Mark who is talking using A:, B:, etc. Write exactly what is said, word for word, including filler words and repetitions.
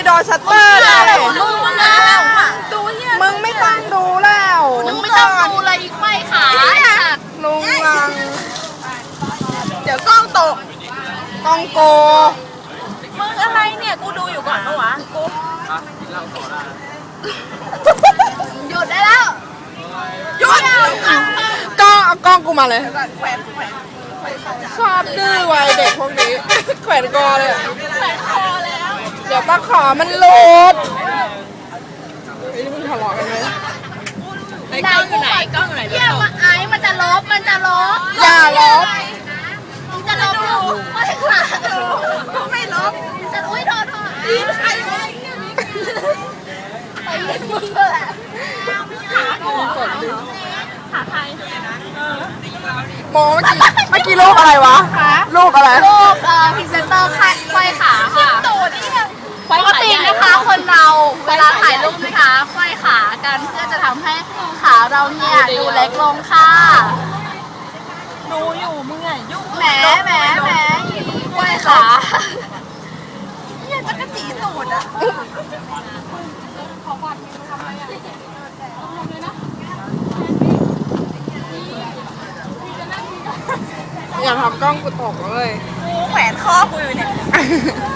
A: โดนชัตเตอร์เลย
B: มึงมันแล้วดูเนี่ย
A: มึงไม่ต้องดูแล้ว
B: มึงไม่ต้องดูเลยอีกไม่ขาย
A: ลุงลัง
B: เดี๋ยวกล้องตก
A: กองโก
B: มึงอะไรเนี่ยกูดูอยู่ก่อนปะวะกูหยุดได้แล้วหยุด
A: กล้องเอากล้องกูมาเลย ชอบดื้อไว้เด็กพวกนี้ แขวนคอเลยอะ
B: แขวนคอแล้ว
A: เดี๋ยวตะขอมันหลุดเฮ้ยนี่มึงทะเลาะกันไหม
B: ไอ้กล้องอยู่ไหนกล้องอยู่ไหนเยี่ยมไอ้มันจะลบมันจะลบ
A: อย่าลบ
B: มึงจะลบอยู่ไม่ค่ะไม่ลบจะอุ้ยโทษโทษใครวะไอ้มึงแหละขากูขาใคร
A: โมเมื่อกี้เมื่อกี้รูปอะไรวะรูปอะไร
B: รูปเอ่อพรีเซนเตอร์ควายขาค่ะปกตินะคะคนเราเวลาถ่ายรูปนะคะควายขากันเพื่อจะทำให้ขาเราเนี่ยดูเล็กลงค่ะดูอยู่มึงไงยุ่งแหมแหมแหมควายขาเนี่ยจะกระจีตูดอ่ะ
A: อย่าทำกล้องกูตกเลย
B: กูแขวนคอกูอยู่เนี่ย